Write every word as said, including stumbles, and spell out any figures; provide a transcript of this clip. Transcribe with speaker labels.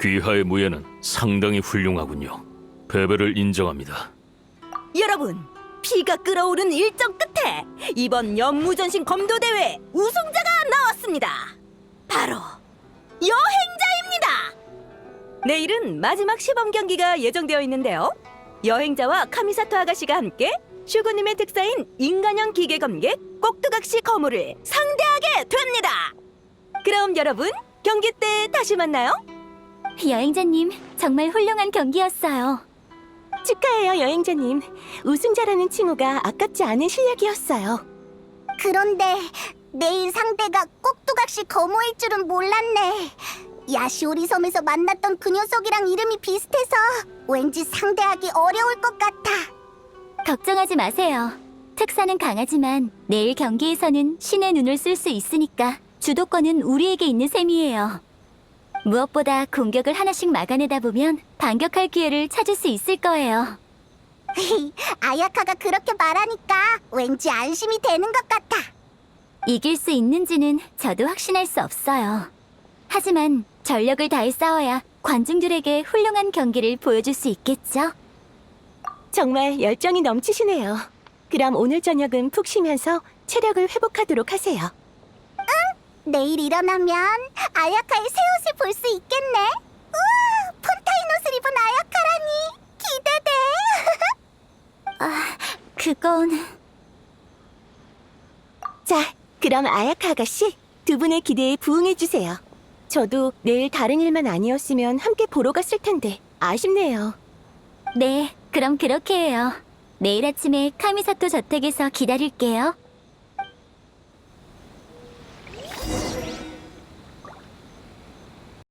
Speaker 1: 귀하의 무예는 상당히 훌륭하군요. 패배를 인정합니다.
Speaker 2: 여러분, 피가 끓어오른 일정 끝에 이번 연무전신 검도대회 우승자가 나왔습니다. 바로 여행자입니다. 내일은 마지막 시범 경기가 예정되어 있는데요. 여행자와 카미사토 아가씨가 함께 슈구님의 특사인 인간형 기계 검객 꼭두각시 거물을 상대하게 됩니다. 그럼 여러분, 경기 때 다시 만나요.
Speaker 3: 여행자님, 정말 훌륭한 경기였어요.
Speaker 2: 축하해요, 여행자님. 우승자라는 칭호가 아깝지 않은 실력이었어요.
Speaker 4: 그런데 내일 상대가 꼭두각시 거모일 줄은 몰랐네. 야시오리 섬에서 만났던 그 녀석이랑 이름이 비슷해서 왠지 상대하기 어려울 것 같아.
Speaker 3: 걱정하지 마세요. 특사는 강하지만 내일 경기에서는 신의 눈을 쓸 수 있으니까 주도권은 우리에게 있는 셈이에요. 무엇보다 공격을 하나씩 막아내다 보면 반격할 기회를 찾을 수 있을 거예요.
Speaker 4: 아야카가 그렇게 말하니까 왠지 안심이 되는 것 같아.
Speaker 3: 이길 수 있는지는 저도 확신할 수 없어요. 하지만 전력을 다해 싸워야 관중들에게 훌륭한 경기를 보여줄 수 있겠죠?
Speaker 2: 정말 열정이 넘치시네요. 그럼 오늘 저녁은 푹 쉬면서 체력을 회복하도록 하세요.
Speaker 4: 내일 일어나면 아야카의 새 옷을 볼 수 있겠네. 우와, 폰타인 옷을 입은 아야카라니 기대돼.
Speaker 3: 아, 그건...
Speaker 2: 자, 그럼 아야카 아가씨, 두 분의 기대에 부응해주세요. 저도 내일 다른 일만 아니었으면 함께 보러 갔을 텐데 아쉽네요.
Speaker 3: 네, 그럼 그렇게 해요. 내일 아침에 카미사토 저택에서 기다릴게요.